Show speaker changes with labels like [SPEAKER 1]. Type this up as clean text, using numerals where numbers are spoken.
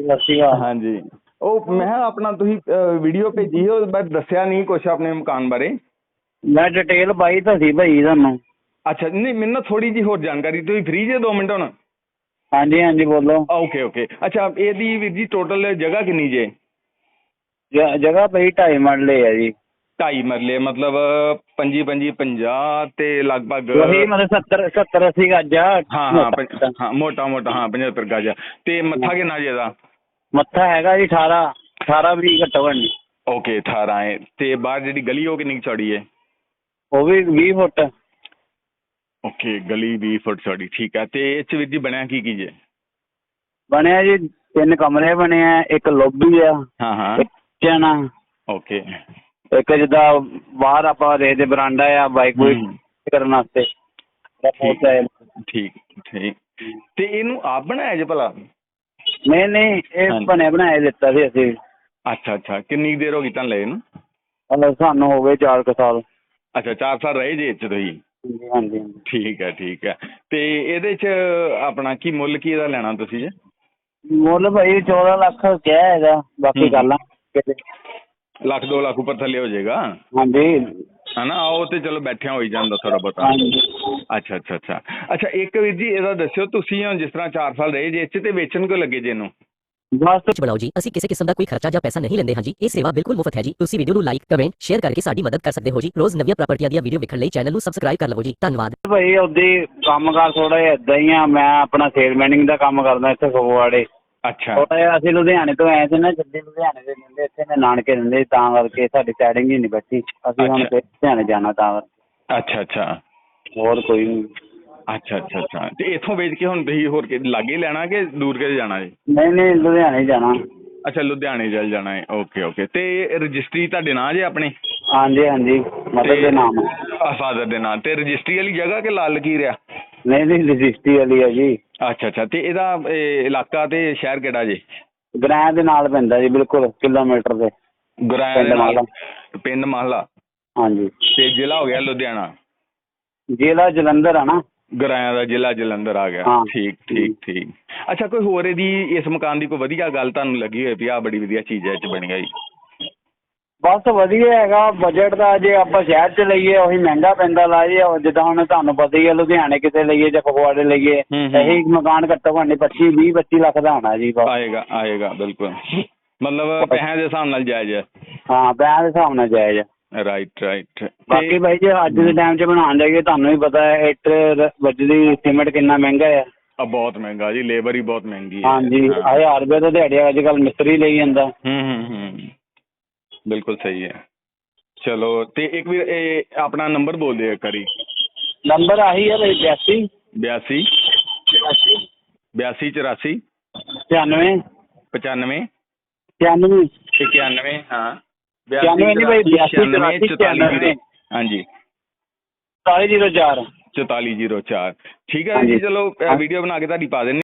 [SPEAKER 1] ਸਤਿ ਸ਼੍ਰੀ ਅਕਾਲ।
[SPEAKER 2] ਹਾਂਜੀ, ਉਹ ਮੈਂ ਕਿਹਾ ਆਪਣਾ ਤੁਸੀਂ ਵੀਡੀਓ ਭੇਜੀ ਉਹ ਬਸ ਦੱਸਿਆ ਨਹੀਂ ਕੁਛ ਆਪਣੇ ਮਕਾਨ ਬਾਰੇ।
[SPEAKER 1] ਮੈਂ ਡਿਟੇਲ ਪਾਈ ਤਾਂ ਸੀ ਭਾਈ ਤੁਹਾਨੂੰ।
[SPEAKER 2] ਅੱਛਾ, ਨਹੀਂ ਮੈਨੂੰ ਨਾ ਥੋੜੀ ਜਿਹੀ ਹੋਰ ਜਾਣਕਾਰੀ, ਤੁਸੀਂ ਫ੍ਰੀ ਜੇ 2 ਮਿੰਟ ਹੁਣ?
[SPEAKER 1] ਹਾਂਜੀ ਹਾਂਜੀ ਬੋਲੋ।
[SPEAKER 2] ਓਕੇ ਓਕੇ, ਅੱਛਾ ਇਹਦੀ ਵੀਰ ਜੀ ਟੋਟਲ ਜਗ੍ਹਾ ਕਿੰਨੀ ਜੇ?
[SPEAKER 1] ਜਗ੍ਹਾ ਭਾਈ 2.5 ਮਰਲੇ ਹੈ ਜੀ।
[SPEAKER 2] 2.5 ਮਰਲੇ ਮਤਲਬ 25 25 50 ਤੇ ਲਗਭਗ
[SPEAKER 1] ਉਹੀ ਮਤਲਬ 70 80 ਗਜ ਆ।
[SPEAKER 2] ਹਾਂ ਹਾਂ ਮੋਟਾ ਮੋਟਾ ਹਾਂ 75 ਗਜ। ਤੇ ਮੱਥਾ ਕਿੰਨਾ ਜੀ ਇਹਦਾ?
[SPEAKER 1] ਮੱਥਾ ਹੈਗਾ ਜੀ 18 20 ਘੱਟੋ ਘੱਟ।
[SPEAKER 2] ਓਕੇ 18 ਹੈ। ਤੇ ਬਾਹਰ ਜਿਹੜੀ ਗਲੀ ਉਹ ਕਿੰਨੀ ਚੌੜੀ ਹੈ?
[SPEAKER 1] ਉਹ ਵੀ 20 ਫੁੱਟ।
[SPEAKER 2] ਓਕੇ, ਗਲੀ 20 ਫੁੱਟ ਚੌੜੀ, ਠੀਕ ਹੈ। ਤੇ ਇਹ 'ਚ ਵੀਰ ਜੀ ਬਣਿਆ ਕੀ ਜੇ?
[SPEAKER 1] ਬਣਿਆ ਜੀ 3 ਕਮਰੇ ਬਣੇ ਆ, ਇੱਕ ਲੋਬੀ ਆ,
[SPEAKER 2] ਹਾਂ ਹਾਂ,
[SPEAKER 1] ਇੱਕ ਕਿਚਨ ਆ,
[SPEAKER 2] ਓਕੇ,
[SPEAKER 1] ਇੱਕ ਜਿੱਦਾਂ ਬਾਹਰ ਆਪਾਂ ਦੇ ਬਰਾਂਡਾ ਆ ਬਾਈਕ ਬੂਈਕ ਕਰਨ ਵਾਸਤੇ।
[SPEAKER 2] ਠੀਕ ਠੀਕ। ਤੇ ਇਹਨੂੰ ਆਪ ਬਣਾਇਆ ਜੇ ਭਲਾ?
[SPEAKER 1] ਨਹੀਂ ਨਹੀਂ, ਇਹ ਬਣਿਆ ਬਣਾਇਆ ਦਿੱਤਾ ਸੀ ਅਸੀਂ।
[SPEAKER 2] ਅੱਛਾ ਅੱਛਾ, ਕਿੰਨੀ ਦੇਰ ਹੋ ਗਈ ਤੁਹਾਨੂੰ ਲਏ ਨੂੰ?
[SPEAKER 1] ਮਤਲਬ ਸਾਨੂੰ ਹੋ ਗਏ 4 ਸਾਲ।
[SPEAKER 2] ਅੱਛਾ 4 ਸਾਲ ਰਹੇ ਜੇ ਇਹ 'ਚ ਤੁਸੀਂ?
[SPEAKER 1] ਹਾਂਜੀ।
[SPEAKER 2] ਠੀਕ ਹੈ ਠੀਕ ਹੈ। ਤੇ ਇਹਦੇ 'ਚ ਆਪਣਾ ਕੀ ਮੁੱਲ ਕੀ ਇਹਦਾ ਲੈਣਾ ਤੁਸੀਂ ਜੇ?
[SPEAKER 1] ਮੁੱਲ ਭਾਈ 14 ਲੱਖ ਕਿਹਾ ਹੈਗਾ, ਬਾਕੀ ਕਰ ਲਾਂਗੇ।
[SPEAKER 2] ਲੱਖ 2 ਲੱਖ ਉੱਪਰ ਥੱਲੇ ਹੋ ਜਾਏਗਾ?
[SPEAKER 1] ਹਾਂਜੀ।
[SPEAKER 2] ਹੈ ਨਾ, ਉਹ ਤੇ ਚਲੋ ਬੈਠਿਆਂ ਹੋਈ ਜਾਂਦਾ ਥੋੜ੍ਹਾ ਬਹੁਤਾ। ਅੱਛਾ ਅੱਛਾ ਅੱਛਾ ਅੱਛਾ, ਇੱਕ ਵੀਰ ਜੀ ਇਹਦਾ ਦੱਸਿਓ, ਤੁਸੀਂ ਹੁਣ ਜਿਸ ਤਰ੍ਹਾਂ 4 ਸਾਲ ਰਹੇ ਜੇ ਇਹ 'ਚ, ਤੇ ਵੇਚਣ ਕਿਉਂ ਲੱਗੇ ਜੇ ਇਹਨੂੰ?
[SPEAKER 3] ਬਸ ਬਣਾਓ ਜੀ, ਅਸੀਂ ਕਿਸੇ ਕਿਸਮ ਦਾ ਕੋਈ ਖਰਚਾ ਜਾਂ ਪੈਸਾ ਨਹੀਂ ਲੈਂਦੇ ਹਾਂ ਜੀ। ਇਹ ਸੇਵਾ ਬਿਲਕੁਲ ਮੁਫਤ ਹੈ ਜੀ। ਤੁਸੀਂ ਵੀਡੀਓ ਨੂੰ ਲਾਈਕ ਕਮੈਂਟ ਸ਼ੇਅਰ ਕਰਕੇ ਸਾਡੀ ਮਦਦ ਕਰ ਸਕਦੇ ਹੋ ਜੀ। ਰੋਜ਼ ਨਵੀਆਂ ਪ੍ਰਾਪਰਟੀਆਂ ਦੀਆਂ ਵੀਡੀਓ ਵੇਖਣ ਲਈ ਚੈਨਲ ਨੂੰ ਸਬਸਕ੍ਰਾਈਬ ਕਰ ਲਵੋ ਜੀ। ਧੰਨਵਾਦ
[SPEAKER 1] ਭਾਈ। ਉਹਦੀ ਕੰਮਕਾਰ ਥੋੜਾ ਜਿਹਾ ਏਦਾਂ ਹੀ ਆ। ਮੈਂ ਆਪਣਾ ਸੇਲਮੈਨਿੰਗ ਦਾ ਕੰਮ ਕਰਦਾ ਇੱਥੇ ਫਗਵਾੜੇ।
[SPEAKER 2] ਅੱਛਾ,
[SPEAKER 1] ਥੋੜਾ ਜਿਹਾ ਅਸੀਂ ਲੁਧਿਆਣੇ ਤੋਂ ਆਏ ਸੀ ਨਾ, ਜੱਦੀ ਲੁਧਿਆਣੇ ਦੇ ਦਿੰਦੇ, ਇੱਥੇ ਮੈਂ ਨਾਨਕੇ ਦਿੰਦੇ, ਤਾਂ ਕਰਕੇ ਸਾਡੀ ਸੈਟਿੰਗ ਹੀ ਨਹੀਂ ਬੈਠੀ। ਅਸੀਂ ਹੁਣ ਫਿਰ ਲੁਧਿਆਣੇ ਜਾਣਾ ਤਾਂ ਕਰਕੇ।
[SPEAKER 2] ਅੱਛਾ ਅੱਛਾ,
[SPEAKER 1] ਹੋਰ ਕੋਈ ਨਹੀਂ।
[SPEAKER 2] ਅੱਛਾ ਅੱਛਾ ਅੱਛਾ। ਤੇ ਇੱਥੋਂ ਵੇਚ ਕੇ ਹੁਣ ਤੁਸੀਂ ਹੋਰ ਲਾਗੇ ਲੈਣਾ ਕਿ ਦੂਰ ਕਿਤੇ ਜਾਣਾ ਜੀ?
[SPEAKER 1] ਨਹੀਂ ਨਹੀਂ, ਲੁਧਿਆਣੇ ਹੀ ਜਾਣਾ।
[SPEAKER 2] ਅੱਛਾ, ਲੁਧਿਆਣੇ ਚੱਲ ਜਾਣਾ ਹੈ। Okay okay. ਤੇ ਰਜਿਸਟਰੀ ਤੁਹਾਡੇ ਨਾਂ ਜੇ ਆਪਣੇ?
[SPEAKER 1] ਹਾਂਜੀ ਹਾਂਜੀ, ਮਦਰ ਦੇ ਨਾਮ।
[SPEAKER 2] ਫਾਦਰ ਦੇ ਨਾਂ। ਤੇ ਰਜਿਸਟਰੀ ਵਾਲੀ ਜਗ੍ਹਾ ਕਿ ਲਾਲ ਲਕੀਰ ਆ?
[SPEAKER 1] ਨਹੀਂ ਨਹੀਂ, ਰਜਿਸਟਰੀ ਵਾਲੀ ਹੈ ਜੀ।
[SPEAKER 2] ਅੱਛਾ ਅੱਛਾ। ਤੇ ਇਹਦਾ ਇਲਾਕਾ ਤੇ ਸ਼ਹਿਰ ਕਿਹੜਾ ਜੇ?
[SPEAKER 1] ਗ੍ਰਾਂ ਦੇ ਨਾਲ ਪੈਂਦਾ ਜੀ, ਬਿਲਕੁਲ ਕਿਲੋਮੀਟਰ ਦੇ।
[SPEAKER 2] ਗ੍ਰਾਂ ਦੇ ਨਾਲ? ਪਿੰਡ ਮਾਹਲਾ।
[SPEAKER 1] ਹਾਂਜੀ।
[SPEAKER 2] ਤੇ ਜ਼ਿਲ੍ਹਾ ਹੋ ਗਿਆ ਲੁਧਿਆਣਾ?
[SPEAKER 1] ਜ਼ਿਲ੍ਹਾ ਜਲੰਧਰ ਆ ਨਾ।
[SPEAKER 2] ਗ੍ਰਾਂ ਦਾ ਜ਼ਿਲ੍ਹਾ ਜਲੰਧਰ ਆ ਗਿਆ। ਠੀਕ ਠੀਕ ਠੀਕ। ਅੱਛਾ, ਕੋਈ ਹੋਰ ਇਹਦੀ ਇਸ ਮਕਾਨ ਦੀ ਕੋਈ ਵਧੀਆ ਗੱਲ ਤੁਹਾਨੂੰ ਲੱਗੀ ਹੋਏ ਵੀ ਆਹ ਬੜੀ ਵਧੀਆ ਚੀਜ਼ ਹੈ ਇਹ 'ਚ ਬਣੀ ਹੋਈ?
[SPEAKER 1] ਬਸ ਵਧੀਆ ਹੈਗਾ। ਬਜਟ ਦਾ ਜੇ ਆਪਾਂ ਸ਼ਹਿਰ 'ਚ ਲਈਏ ਉਹੀ ਮਹਿੰਗਾ ਪੈਂਦਾ ਲਾ ਜੀ। ਜਿੱਦਾਂ ਹੁਣ ਤੁਹਾਨੂੰ ਪਤਾ ਹੀ ਹੈ, ਲੁਧਿਆਣੇ ਕਿਤੇ ਲਈਏ ਜਾਂ ਫਗਵਾੜੇ ਲਈਏ, ਇਹੀ ਮਕਾਨ ਘੱਟੋ ਘੱਟ 25 20 25 ਲੱਖ ਦਾ ਹੋਣਾ ਜੀ।
[SPEAKER 2] ਆਏਗਾ ਆਏਗਾ, ਬਿਲਕੁਲ। ਮਤਲਬ ਪੈਸਿਆਂ ਦੇ ਹਿਸਾਬ ਨਾਲ ਜਾਇਜ਼ ਹੈ?
[SPEAKER 1] ਹਾਂ, ਪੈਸਿਆਂ ਦੇ ਹਿਸਾਬ ਨਾਲ ਜਾਇਜ਼ ਹੈ।
[SPEAKER 2] Right right.
[SPEAKER 1] ਬਾਕੀ ਭਾਈ ਜੇ ਅੱਜ ਦੇ ਟਾਈਮ 'ਚ ਬਣਾਉਣ ਜਾਈਏ, ਤੁਹਾਨੂੰ ਵੀ ਪਤਾ ਹੈ ਇੱਟ ਬਜਰੀ ਸੀਮੈਂਟ ਕਿੰਨਾ ਮਹਿੰਗਾ ਹੈ।
[SPEAKER 2] ਬਹੁਤ ਮਹਿੰਗਾ ਜੀ, ਲੇਬਰ ਹੀ ਬਹੁਤ ਮਹਿੰਗੀ ਹੈ।
[SPEAKER 1] ਹਾਂਜੀ, 1000 ਰੁਪਏ ਤਾਂ ਦਿਹਾੜੀ ਅੱਜ ਕੱਲ੍ਹ ਮਿਸਤਰੀ ਲਈ ਜਾਂਦਾ।
[SPEAKER 2] ਬਿਲਕੁਲ ਸਹੀ ਹੈ। ਚਲੋ, ਤੇ ਇੱਕ ਵੀ ਇਹ ਆਪਣਾ ਨੰਬਰ ਬੋਲ ਦਿਓ ਇੱਕ ਵਾਰੀ।
[SPEAKER 1] ਨੰਬਰ ਆਹੀ ਹੈ ਭਾਈ, 82
[SPEAKER 2] 82 84
[SPEAKER 1] 95
[SPEAKER 2] 95
[SPEAKER 1] 96
[SPEAKER 2] 91 ਹਾਂ
[SPEAKER 1] 91 ਨਹੀਂ ਭਾਈ, 82 94
[SPEAKER 2] ਹਾਂਜੀ
[SPEAKER 1] 4404
[SPEAKER 2] 4404। ਠੀਕ ਹੈ ਜੀ, ਚਲੋ ਵੀਡੀਓ ਬਣਾ ਕੇ ਤੁਹਾਡੀ ਪਾ ਦਿੰਦੇ।